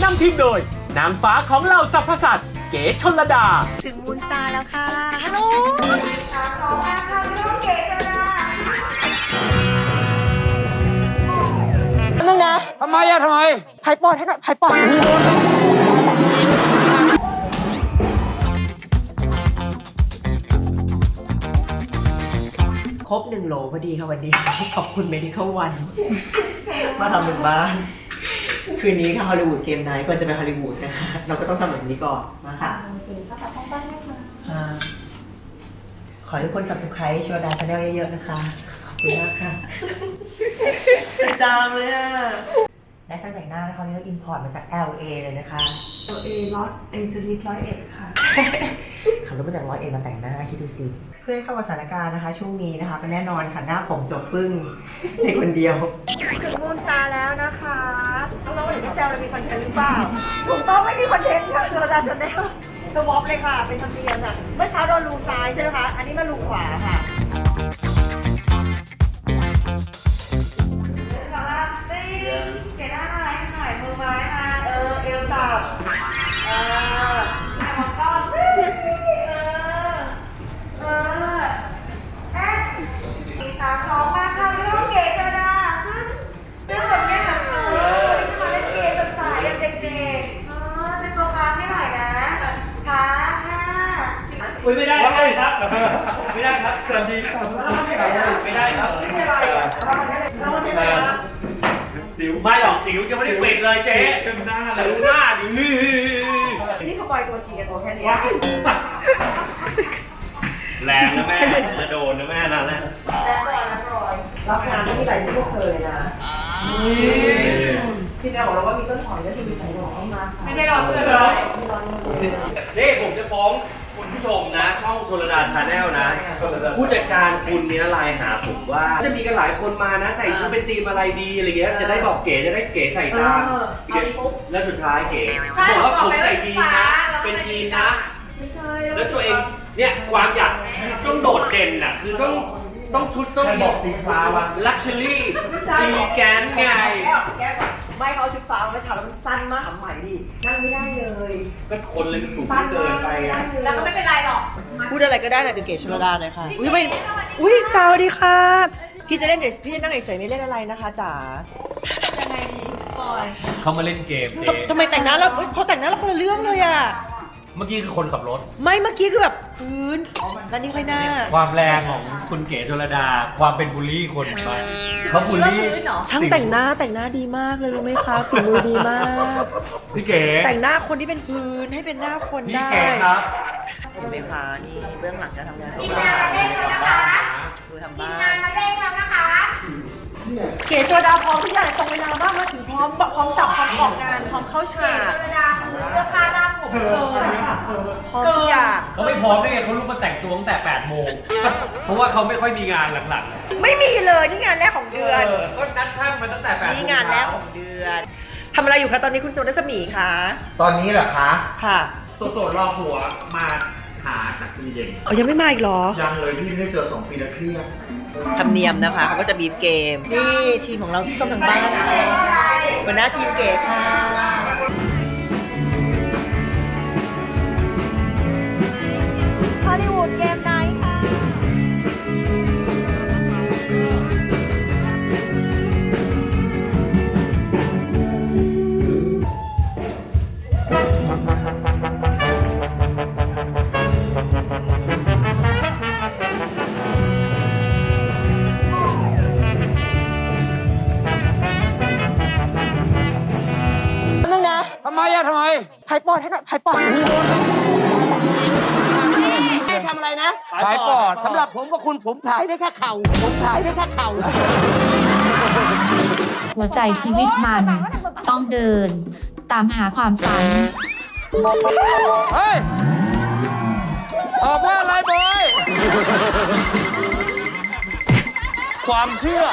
นำทีมโดยนางฟ้าของเหล่าสรรพสัตว์เก๋ชลดาถึงมูนสตาร์แล้วค่ะฮัลโหลของมาค่ะพี่ลูกเก๋ชลดานึงนะทำไมไผ่ปอดให้หน่อยไผ่ปอดครบ1 โหลพอดีค่ะวันนี้ขอบคุณMedical One มาทำถึงบ้านคืนนี้ค่ะฮอลลีวูดเกมไนท์ก่อนจะไปฮอลลีวูดนะคะเราก็ต้องทำแบบนี้ก่อนมาค่ะขอให้ทุกคน subscribe ชวดา Channel เยอะๆนะคะขอบคุณมากค่ะจามเลยอ่ะและช่างแต่งหน้านะคะนี่เราอินพอร์ตมาจาก LA เลยนะคะ LA ลอสแองเจลิส101ค่ะขับรถมาจาก101มาแต่งหน้าคิดดูสิเพื่อให้เข้ากับสถานการณ์นะคะช่วงนี้นะคะก็แน่นอนค่ะหน้าผมจบปึ้งในคนเดียวถึงมูนสตาร์แล้วนะคะน้องๆเห็นที่แซวเรามีคอนเทนต์หรือเปล่าถูกต้องไม่มีคอนเทนต์ค่ะชลดาชาแนลสวอปเลยค่ะเป็นธรรมเนียมค่ะเมื่อเช้าโดนรูซ้ายใช่ไหมคะอันนี้มารูขวาค่ะเก๋หน้าอะไรหน่อยมือไม้มาเอวสับของก้อน3-2มาค่ะพี่ลูกเก๋ชลดาซึ่งแบบนี้แบบมาเล่นเกมแบบสายแบบเด็กๆเป็นตัวค้างให้หน่อยนะค้าง5 ไม่ได้ครับไม่ได้ครับสวัสดีครับไม่ได้ครับสิวไม่หรอกสิวยังไม่ได้ปิดเลยเจ๊ดูหน้าดินี่เขาปล่อยตัวจริงกับตัวแค่นี้แรงนะแม่จะโดนนะแม่นั่นแหละรับงานไม่มีหลายที่พวกเธอเลยนะพี่แม่บอกเราว่ามีต้นหอมและมีไข่หอมมาไม่ได้รอเพื่อนเลยนี่ผมจะฟ้องคุณผู้ชมนะช่องชลดาชาแนลนะผู้จัดการคุณเนี่ยไลน์หาผมว่าจะมีกันหลายคนมานะใส่ชุดเป็นธีมอะไรดีอะไรเงี้ยจะได้บอกเก๋จะได้เก๋ใส่ตามแล้วสุดท้ายเก๋บอกว่าผมใส่ยีนนะเป็นยีนนะแล้วตัวเองเนี่ยความอยากต้องโดดเด่นน่ะคือต้องชุดต้องบอกตีฟ้าวะลักชัวรี่ตีแกนไงไม่เขาชุดฟ้าเมื่อเช้าแล้วมันสั้นมากใหม่ดินั่งไม่ได้เลยก็คนเลยสูงเกินไปอ่ะแล้วก็ไม่เป็นไรหรอกพูดอะไรก็ได้นะจะเก๋ชลดาเลยค่ะอุ้ยไม่อุ้ยจ้าสวัสดีค่ะพี่จะเล่นเดี๋ยวพี่นั่งเฉยๆไม่เล่นอะไรนะคะจ๋ายังไงปอยเขามาเล่นเกมทำไมแต่งหน้าแล้วพอแต่งหน้าแล้วคนละเรื่องเลยอ่ะเมื่อกี้คือคนขับรถไม่เมื่อกี้คือแบบพื้นแล้วนี่ค่อยหน้าความแรงของคุณเก๋ชลดาความเป็นบูลลี่คนไปเขาบูลลี่ช่างแต่งหน้าดีมากเลยรู้ไหมคะฝีมือดีมากพี่เก๋แต่งหน้าคนที่เป็นพื้นให้เป็นหน้าคนได้พี่เก๋ครับเห็นไหมคะนี่เบื้องหลังจะทำงานทีมงานมาเล่นแล้วนะคะดูทำทีบ้ามงานมาเล่นแล้วนะคะเก๋ชลดาพร้อมทุกอย่างตรงเวลามากมาถึงพร้อมสับพร้อมออกงานพร้อมเข้าฉากชลดาเสื้อผ้าหน้าผมเกินพร้อมทุกอย่างเขาไม่พร้อมได้ไงเขาลุกมาแต่งตัวตั้งแต่8 โมงเพราะว่าเขาไม่ค่อยมีงานหลังๆไม่มีเลยนี่งานแรกของเดือนก็นัดช่างมาตั้งแต่8 โมงนี่งานแรกของเดือนทำอะไรอยู่คะตอนนี้คุณโจนัสมีคะตอนนี้เหรอคะค่ะโสดรอผัวมาหาจากสวีเดนยังไม่มาอีกเหรอยังเลยพี่ไม่ได้เจอ2 ปีแล้วเครียดธรรมเนียมนะคะเขาก็จะบีบเกมนี่ทีมของเราที่ส้มทางบ้านค่ะหัวหน้าทีมเก๋ค่ะฮอลลีวูดเกมไนท์ค่ะทำไมไผ่ปอดให้หน่อยไผ่ปอดให้ทำอะไรนะถ่ายปอดสำหรับผมกับคุณผมถ่ายได้แค่เข่าหัวใจชีวิตมันต้องเดินตามหาความฝันเฮ้ยตอบว่าอะไรบอยความเชื่อ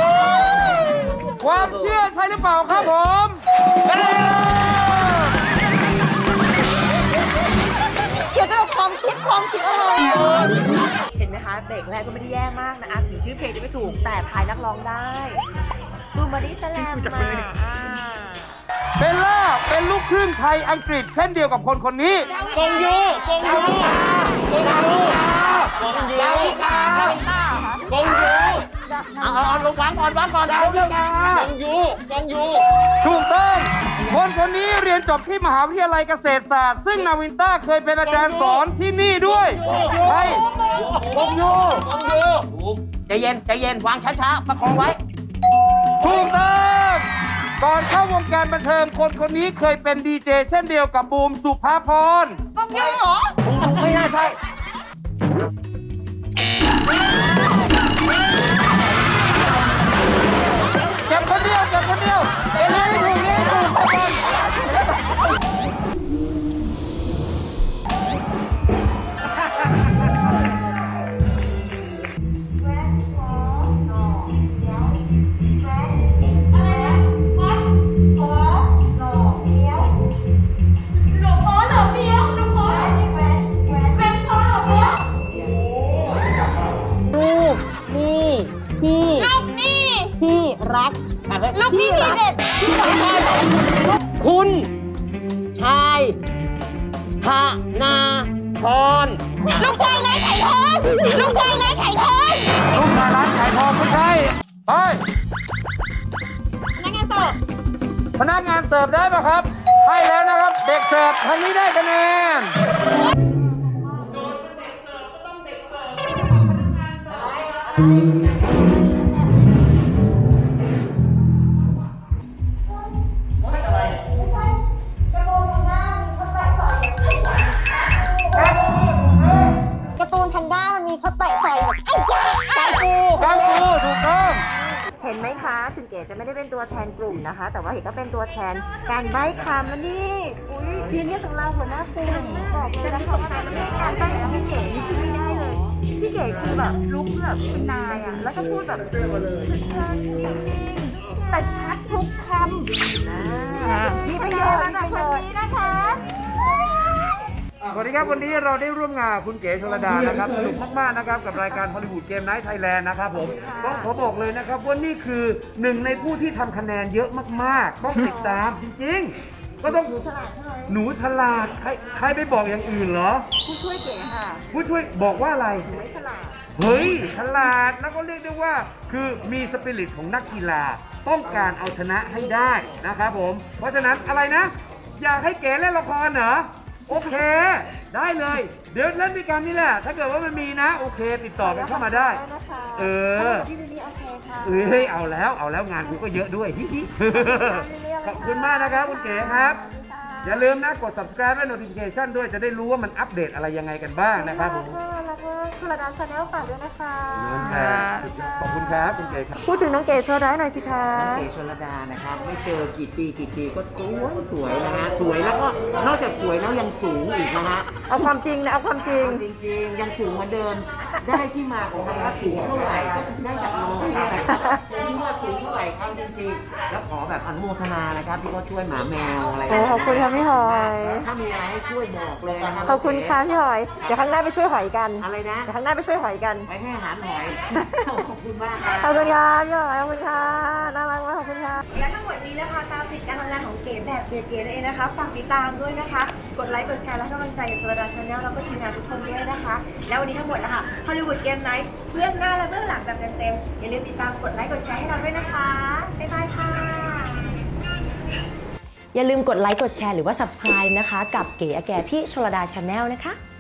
ใช่หรือเปล่าครับผมเกี่ยวกับความคิดอะไรเห็นไหมคะเบรกแรกก็ไม่ได้แย่มากนะถึงชื่อเพลงจะไม่ถูกแต่ทายนักร้องได้ตูมาริสแลมมาเบลล่าเป็นลูกครึ่งไทยอังกฤษเช่นเดียวกับคนคนนี้กงยูกงยูกงยูกงยูกงยูเอาลงวางก่อนเร็วกงยูกงยูถูกต้องคนคนนี้เรียนจบที่มหาวิทยาลัยเกษตรศาสตร์ซึ่งนาวินต้าเคยเป็นอาจารย์สอนที่นี่ด้วยใช่กงยูกงยูใจเย็นวางช้าๆประคองไว้ถูกต้องก่อนเข้าวงการบันเทิงคนคนนี้เคยเป็นดีเจเช่นเดียวกับบูมสุภาพรไม่น่าใช่เก็บคนเดียวเรียนให้ถูกไปก่อนคุณชายธนาพรลูกชายร้านขายทองไม่ใช่ ไปพนักงานเสิร์ฟได้ป่ะครับ ให้แล้วนะครับ เด็กเสิร์ฟทางนี้ได้คะแนนการ์ตูนแพนด้ามันมีเขาเตะต่อยแบบไอ้ยาไก่ปูกังฟูถูกต้องเห็นไหมคะถึงเก๋จะไม่ได้เป็นตัวแทนกลุ่มนะคะ แต่ว่าเห็นก็เป็นตัวแทนการใบ้คำแล้วนี่อุ้ยทีนี้ของเราหัวหน้ากลุ่มบอกเลยนะคะว่าการใบ้ของพี่เก๋นี่คือไม่ได้เลยพี่เก๋คือแบบลุกแบบเป็นนายอ่ะแล้วก็พูดแบบเชิญนิ่งๆแต่ชัดทุกคำมีประโยชน์จากคนนี้นะคะสวัสดีครับวันนี้เราได้ร่วมงานคุณเก๋ชลดานะครับสนุกมากๆนะครับกับรายการฮอลลีวูดเกมไนท์ไทยแลนด์นะครับผมต้องขอบอกเลยนะครับว่านี่คือหนึ่งในผู้ที่ทำคะแนนเยอะมากๆต้องติดตามจริงๆก็ต้องหนูฉลาดใครไปบอกอย่างอื่นเหรอผู้ช่วยเก๋ค่ะผู้ช่วยบอกว่าอะไรไม่ฉลาดเฮ้ยฉลาดแล้วก็เรียกได้ว่าคือมีสปิริตของนักกีฬาต้องการเอาชนะให้ได้นะครับผมเพราะฉะนั้นอะไรนะ อยากให้เก๋เล่นละครเหรอโอเคได้เลยเดี๋ยวเล่นด้วยกันนี่แหละถ้าเกิดว่ามันมีนะโอเคติดต่อกันเข้ามาได้เออพี่วินนี่โอเคค่ะเฮ้ยเอาแล้วงานกูก็เยอะด้วยขอบคุณมากนะครับคุณเก๋ครับอย่าลืมนะกด subscribe และ notification ด้วยจะได้รู้ว่ามันอัปเดตอะไรยังไงกันบ้างนะครับผมแล้วก็ชลดาชาแนลฝากด้วยนะคะขอบคุณครับคุณเก๋ครับพูดถึงน้องเก๋ชลดาหน่อยสิคะน้องเก๋ชลดานะครับไม่เจอกี่ปีก็สวยนะฮะสวยแล้วก็นอกจากสวยแล้วยังสูงอีกนะฮะเอาความจริงนะเอาความจริงจริงๆยังสูงเหมือนเดิมได้ที่มาของคำว่าสูงเท่าไหร่ก็ได้จากน้องนี่แหละที่ว่าสูงเท่าไหร่ครับจริงๆแล้วขอแบบอนุโมทนานะครับที่เขาช่วยหมาแมวอะไรโอ้ขอบคุณค่ะพี่หอยถ้ามีอะไรให้ช่วยบอกเลยนะครับขอบคุณค่ะพี่หอย เดี๋ยวครั้งหน้าไปช่วยหอยกันอะไรนะเดี๋ยวครั้งหน้าไปช่วยหอยกันไปให้อาหารหอยขอบคุณมากครัขอบบ คุณค่ะพี่หอยขอบคุณค่ะน่ารักมากขอบคุณค่ะและทั้งหมดนี้นะคะตามติดการทำงานของเก๋แบบเก๋ๆนั่นเองนะคะฝากติดตามด้วยนะคะกดไลค์กดแชร์และให้กำลังใจกับชลดาชาแนลแล้วก็ทีมงานทุกคนด้วยนะคะแล้ววันนี้ทั้งหมดนะคะฮอลลีวูดเกมไนท์เบื้องหน้าและเบื้องหลังแบบเต็มๆอย่าลืมติดตามกดไลค์กดแชร์ให้เราด้วยนะคะบ๊ายบายค่ะอย่าลืมกดไลค์กดแชร์หรือว่า subscribe นะคะกับเก๋อาแกที่ชลดาชาแนลนะคะ